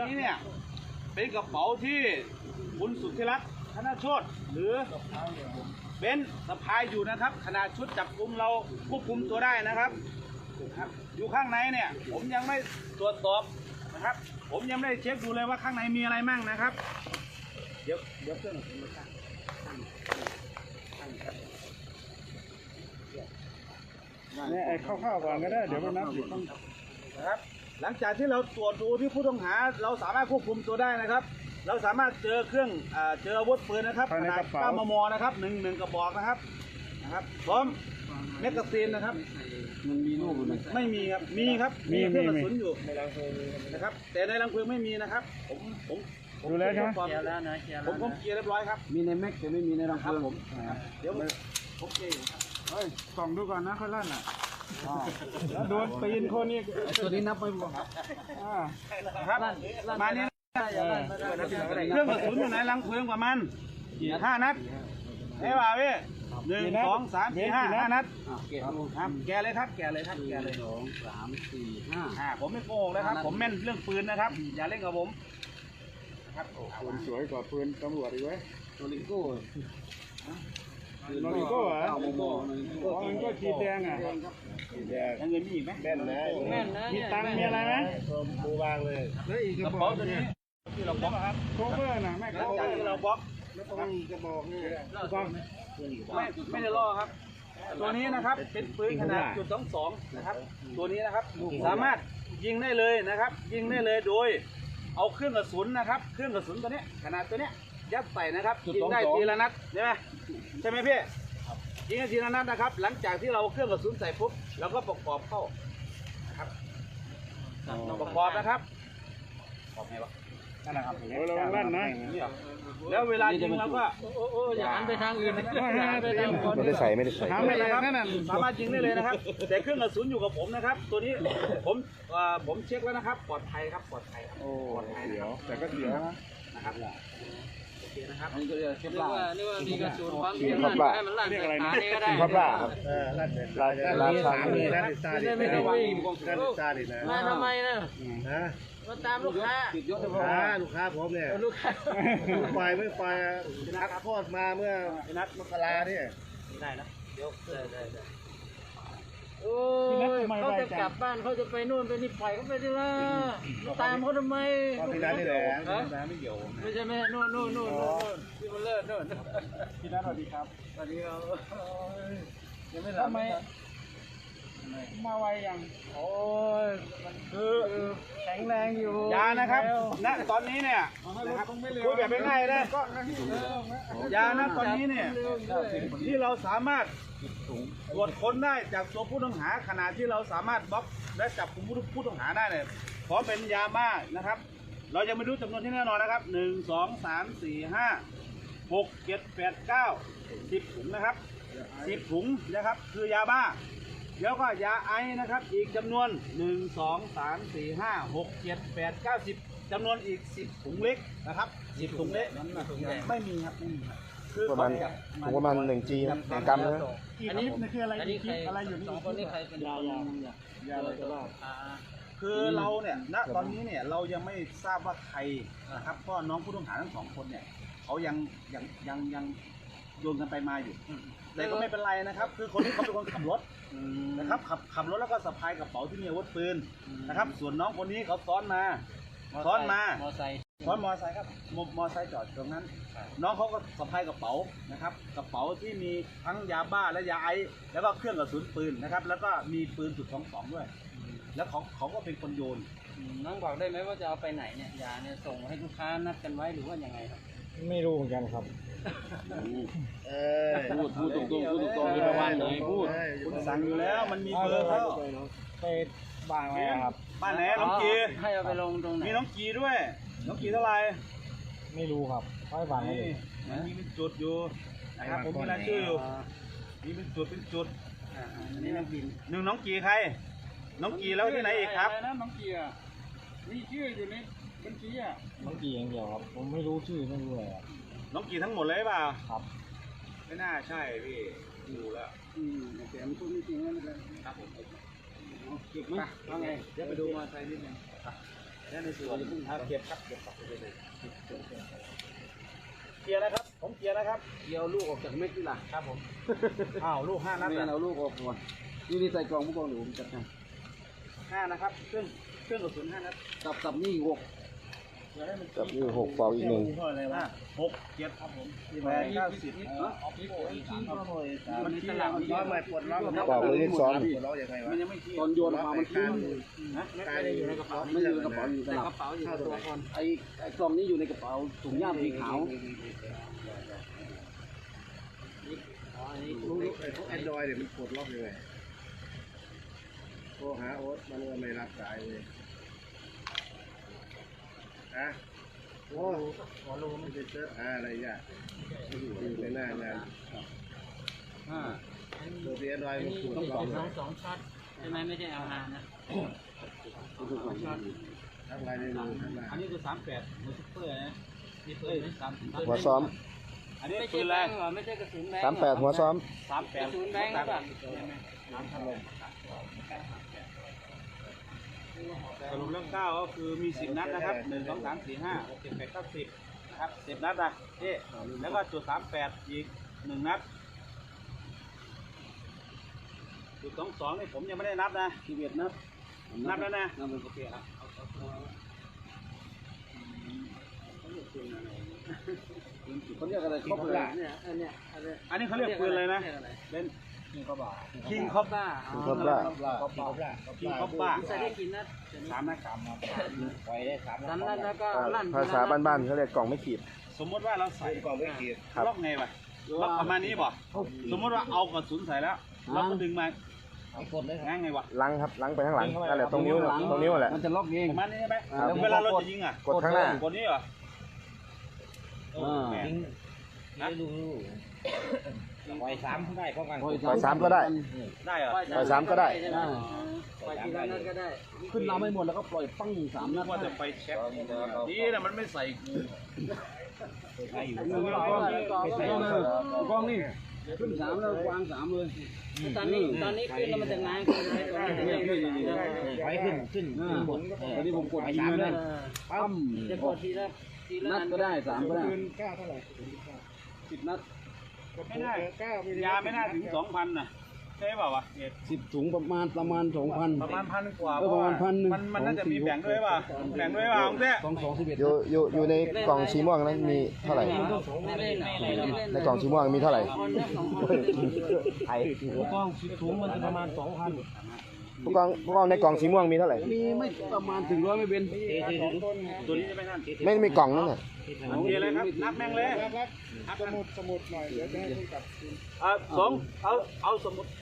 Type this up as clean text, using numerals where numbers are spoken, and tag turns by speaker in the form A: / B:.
A: นี้เนี่ยเป็นกระเป๋าที่คุณสุทธิรัตน์ธนโชติหรือเบนซ์สะพายอยู่นะครับขณะชุดจับกุมเราควบคุมตัวได้นะครับอยู่ข้างในเนี่ยผมยังไม่ตรวจสอบนะครับผมยังไม่ได้เช็คดูเลยว่าข้างในมีอะไรมั่งนะครับเดี๋ยวเครื่องผมมาตั้ง
B: เนี่ยเข้าก่อนก็ได้เดี๋ยวไปนับอยู่ต้อง
A: นะครับหลังจากที่เราตรวจดูที่ผู้ต้องหาเราสามารถควบคุมตัวได้นะครับเราสามารถเจอเครื่องเจออาวุธปืนนะครับขนาด9 มมนะครับหนึ่งกระบอกนะครับพร้อมแมกกาซีนนะครับ
B: มันมีลูกอยู่ไหม
A: ไม่มีครับมีครับมีเครื่องกระสุนอยู่ในรังเพลิงนะครับแต่ในรังเพลิงไม่มีนะครับผม
B: ดูแล้วใช่ไหม
A: เคลียร์แล้วนะผมเคลียร์เรียบร้อยครับ
B: มีในแม็กแต่ไม่มีในรังเพลิง
A: ผมเดี๋ยวผมเคลียร์อยู่ครับ
B: เฮ้ยส่องดูก่อนนะค่อยลั่นอ่ะแล้วโดนปีนคนนี้ตัวนี้นับไปบ่ครับ
A: ครับมานี้เครื่องกระสุนอยู่ในรังเพลิงประมาณ5 นัดไอ้บ่าวพี่1 2 3 4 5 นัดแกเลยครับ2
B: 3 4 5
A: ผมไม่โกหกนะครับผมแม่นเรื่องปืนนะครับอย่าเล่นกับผม
B: ครับปืนสวยกว่าปืนตำรวจอีกเว้ยโนริโก้โนริโก้เหรอมันก็ขีดแดงอ่ะขีดแดง
A: เงินมีอีกไหม
B: แม่นนะมีตังมีอะไรไหม
A: บูวางเลยแล้วอีกกระเป๋าตัวนี้ที่เราบล็อกครับ
B: โคเวอร์นะแม่โคเวอร์
A: ที่เราบล็อก
B: แล้วต้องมีกระบอกนี่
A: ไม่ได้ล่อครับตัวนี้นะครับเป็นปืนขนาด.22นะครับตัวนี้นะครับสามารถยิงได้เลยนะครับยิงได้เลยโดยเอาเครื่องกระสุนนะครับเครื่องกระสุนตัวนี้ขนาดตัวนี้ยัดใส่นะครับยิงได้ทีละนัดใช่ไหมพี่ยิงได้ทีละนัดนะครับหลังจากที่เราเครื่องกระสุนใส่ปุ๊บเราก็ประกอบเข้านะครับประกอบนะครับประกอบไงวะ
B: นั่นแหละครับเราลั่นนะ
A: แล้วเวลายิงเราก็
C: อย่าหันไปทางอื่น
D: ไม่ได้ใส่
A: ไม่ได้ครับสามารถยิงได้เลยนะครับแต่เครื่องกระสุนอยู่กับผมนะครับตัวนี้ผมเช็คแล้วนะครับปลอดภัยครับปลอดภัย
B: โอ้เดี๋ยวแต่ก็เดี๋ยว
A: นะครับโอเคนะครับ
B: อันนี้ก็เรียกเก็บล่า
C: นี่ว่ามีกระสุนความเสี่ยงให้มันลั่นใส่ขาก็ได้
D: ครับล่าครับ
B: ราชามีนะ
C: ไม่ได้วิ่งมาทำไมนะ
B: นะ
C: มาตามลูกค้า
B: ลูกค้าผมเนี่ย
C: ลูกค้า
B: ไม่ไปนักทอดมาเมื่อนัดมกราเนี่ย
A: ได้นะเดี๋ยวได้
C: โอ้ยเขาจะกลับบ้านเขาจะไปนู่นไปนี่ปล่อยเขาไปดิล่ะตามเขาทำไม
B: ที่นั่นนี่แหละ
A: ไม่เกี่ยว
C: ไม่ใช่ไหมนู่นที่มันเลิศนู่น
B: พี่นัทสวัสดีครับ
C: สวัสดีครับ
B: ยังไม่ทำไมมาไวยัง
C: โอ้ย
A: มันคือ
C: แข็งแรงอยู่
A: ยานะครับณตอนนี้เนี่ยคุยแบบง่ายๆนะยาณตอนนี้เนี่ยที่เราสามารถตรวจค้นได้จากตัวผู้ต้องหาขณะที่เราสามารถบล็อกและจับกลุ่มผู้ต้องหาได้เนี่ยพร้อมเป็นยาบ้านะครับเรายังไม่รู้จำนวนที่แน่นอนนะครับ1 2 3 4 5 6 7 8 9 10 ถุงนะครับ10 ถุงนะครับคือยาบ้าแล้วก็ยาไอนะครับอีกจำนวน1 2 3 4 5 6 7 8 9 10จำนวนอีก10 ถุงเล็กนะครับ10 ถุงเล็กไม่มีครับคือ
D: ประมาณ1 G นะ1 กรัมนะ
C: อันนี้
B: คืออะไร
C: อะไรอยู่นี่คนนี้ใครเป็น
B: ยาอะไรก็ได้
A: คือเราเนี่ยณตอนนี้เนี่ยเรายังไม่ทราบว่าใครนะครับเพราะน้องผู้ต้องหาทั้ง2 คนเนี่ยเขายังโยนกันไปมาอยู่แต่ก็ไม่เป็นไรนะครับคือคนที่เขาเป็นคนขับรถนะครับขับรถแล้วก็สะพายกระเป๋าที่มีอาวุธปืนนะครับส่วนน้องคนนี้เขาซ้อนมามอไซค์ครับมอไซค์จอดตรงนั้นน้องเขาก็สะพายกระเป๋านะครับกระเป๋าที่มีทั้งยาบ้าและยาไอแล้วก็เครื่องกระสุนปืนนะครับแล้วก็มีปืน.22ด้วยแล้วเขาก็เป็นคนโยน
C: น้องบอกได้ไหมว่าจะเอาไปไหนเนี่ยยาเนี่ยส่งให้ลูกค้านัดกันไว้หรือว่ายังไงครับ
B: ไม่รู้เหมือนกันครับ
A: พูดตรงๆประมาณไหนพูดคุณสั่งอยู่แล้วมันมีเบอร์เขา
B: ไปบ้านไหนครับ
A: บ้านไหนน้องกี
C: ให้เอาไปลงตรงไหน
A: มีน้องกีด้วยน้องกีเท่าไหร่
B: ไม่รู้ครับค่อยบ้านนี่
A: มีเป็นจุดอยู่นะครับผมมีรายชื่ออยู่มีเป็นจุด
C: อันนี้น้องกี
A: น้องกีใครน้องกีแล้วที่ไหนอีกครับ
C: น้องกีมีชื่ออยู่ในบัญชี
B: น้องกีอย่างเดียวครับผมไม่รู้ชื่อไม่รู้อะไร
A: น้องกีทั้งหมดเลยเปล่า
B: ครับ
A: ไม่น่าใช่พี่ดูแล้ว
C: แต่มันพูดไม่จริงนะครับ
A: ผม
C: เก็บไหมว่าไง
A: เดี๋ยวไปดูมอเตอร์ไซค์นิดนึงและในส่วนเก็บครับเคลียร์นะครับผมเคลียร์นะครับ
C: เกี่ยวลูกออกจากเม็ดนี่ล่ะ
A: ครับผมอ้าวลูก5 นัด
C: แม่เอาลูกออกก่อนนี่ใส่กล่องผู้กองหนูผมจัดให้
A: 5 นะครับเครื่องกระสุน5 นัด
C: สับนี่6
D: กับนี่6ปอกอีก1
A: 6 7ครับผม8 9 10มันสลับร้อยไม่ปวดร้อน
D: ปอกเลยเลข2
A: มันยังไม่ขี้
C: ตอนโยนมามันขึ้น
A: นะไม่ได้อยู่ในกระเป๋า
C: ไม่อยู่ในกระเป๋าอยู่ในกระเป๋าอยู่ตัวก่อนไอ้กล่องนี้อยู่ในกระเป๋าถุงย่ามสีขาว
B: พวกแอนดรอยเนี่ยมันปลดล็อกยังไงโทรหาโอ๊ตมันก็ไม่รับสายเลยนะโอ้ไม่ได้เจออะไรยากอยู่ในหน้างานตัวที่แอนดรอยมันปลดล็อก
C: 2 ช็อตใช่ไหมไม่ได้เอามานะ
B: ทำลายในมือทำลาย
A: อันนี้คือ38มือซุปเปอร์นะนี่เอ้ย30
D: หัวซ้อม
A: อันนี้ปืนแรง
C: ไม่ใช่กระสุนแบง
D: 38หัวซ้อม
A: 38
C: กระสุนแบงค์ป่ะ
A: สรุปเรื่อง9ก็คือมี10 นัดนะครับ1 2 3 4 5 6 7 8 9 10นะครับ10 นัดนะนี่แล้วก็จุด38อีก1 นัดจุด22นี่ผมยังไม่ได้นับนะ
C: 11 นัด
A: นับแล้วนะ
C: นับเป็นโอเคครับ เขาเรียกอะไรครบเลยเนี่ยอันเนี้ย
A: อันนี้เขาเรียกปืนอะไรนะเล่นคิงคอบบ้า
D: คิงคอบล่า
A: คิงคอบบ้า
C: ใส่ได้กินนัด
A: 3 นัดปล่อยได้3
C: 3 นัดแล้วก็ลั่น
D: ภาษาบ้านๆเขาเรียกกล่องไม่ขีด
A: สมมติว่าเราใส่
B: กล่องไม่ขีด
D: ครับ
A: ล็อกไงวะล็อกประมาณนี้บ่สมมติว่าเอากระสุนใส่แล้วเราก็ดึงมาง่ายไงวะ
D: ลังครับลังไปข้างหลังนั่นแหละตรงนิ้วแหละ
C: มันจะล็อกเอง
A: ประมาณนี้ใช่ไหม
D: ครับ
A: เวลาเราจะยิงอ่ะ
D: กดข้างหน้าก
A: ดนี้เหรอแม่นะ
C: ปล่อย3ได้พร้อมกัน
D: ปล่อย3ก็ได้
A: ได้เหรอ
D: ปล่อย3ก็ได้
C: ปล่อยทีละนัดก็ได้ ขึ้นลำไม่หมดแล้วก็ปล่อยปั้ง3 นัด
A: ว่าจะไปเช็คนี่นะมันไม่ใส่กู
C: กล้องนี่ขึ้น3แล้ววาง3เลยตอนนี้ขึ้นแล้วมันจะง้างขึ้นไปขึ้นหมดตอนนี้ผมกดยิงเลยนะปั้มจะกดทีละนัดก็ได้3ก็ได้
B: ปืนกล้าเท่าไหร่
C: 10 นัด
A: ไม่น่ายาไม่น่าถึง 2,000นะใช่เปล่าวะ
C: 10 ถุงประมาณ 2,000
A: ประมาณ1,000 กว่า
C: ประมาณ1,000
A: มันน่าจะมีแบ่งด้วยป่ะแบ่งด้วยป่ะของเต้
D: อยู่ในกล่องสีม่วงนั้นมีเท่าไหร่
C: ไม่เล่น
D: ในกล่องสีม่วงมีเท่าไหร่
B: กล้องถุงมันจะประมาณ 2,000
D: ผู้กองในกล่องสีม่วงมีเท่าไหร่
C: มีไม่ประมาณถึง100ไม่เป็น
A: ตัวนี้จะไม่นั่น
D: ไม่มีกล่องนั่นน่ะ
A: โอเคเลยครับนับแม่งเลย
B: สมุดหน่อยเดี๋ยวจะให้คุณกลับ
A: เอาสมุด